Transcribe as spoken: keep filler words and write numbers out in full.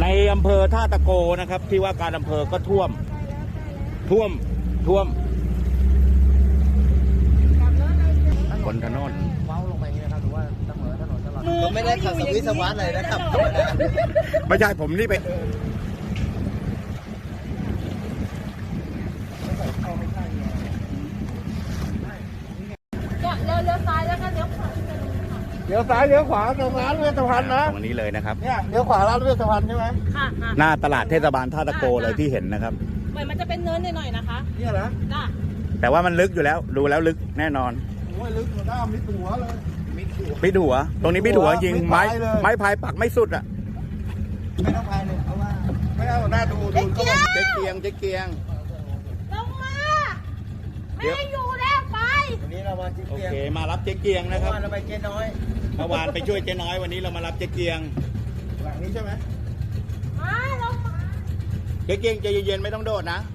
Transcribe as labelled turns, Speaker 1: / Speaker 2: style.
Speaker 1: ในอำเภอท่าตะโกนะครับที่ว่าการอำเภอก็ท่วมท่วมท่วมบนถนนเว้าลงไปอย่างนี้นะครับหรือว่าเสมอถนนตลอดก็ไม่ได้ขับสวิสวัสเลยนะครับไม่ใช่ผมนี่ไป
Speaker 2: เลี้ยวเลี้ยวซ้ายแล้วก็เลี้ยวขวา
Speaker 3: เลี้ยวซ้ายเลี้ยวขวาตรงร้านเวชภัณฑ์นะ
Speaker 1: ตรงนี้เลยนะครับ
Speaker 3: เนี่ยเลี้ยวขวาร้านเวชภัณฑ์ใช่ไหม
Speaker 2: ค่ะ
Speaker 1: หน้าตลาดเทศบาลท่าตะโกเลยที่เห็นนะครับ
Speaker 2: เหมือนมันจะเป็นเนินหน่อยๆนะคะ
Speaker 3: เนี่ยนะ
Speaker 2: จ้ะ
Speaker 1: แต่ว่ามันลึกอยู่แล้วดูแล้วลึกแน่นอน
Speaker 3: โอ้ยลึกหน้ามิดหัวเลย
Speaker 1: มิดหัวตรงนี้มิดหัวจริงไม้ไม้พายปักไม่สุดอ่ะ
Speaker 3: ไม่ต้องพายเลยเอาว่าไม่เอาหน้าดูดูก็
Speaker 1: เจ๊เกียงเจ๊เกียง
Speaker 2: ลงมาไม่ให้อยู่แล้วไป
Speaker 3: วันนี้เรามาเจ๊
Speaker 1: โอ
Speaker 3: เกียง
Speaker 1: เคมารับเจ๊เกียงนะครับ
Speaker 3: เราไปเจ๊น้อย
Speaker 1: เมื่อวานไปช่วยเจ๊น้อยวันนี้เรามารับเจ๊เกียง
Speaker 3: หลังนี้ใช่ไหม
Speaker 2: มาลงมา
Speaker 1: เจ๊เกียงใจเย็นๆไม่ต้องโดดนะ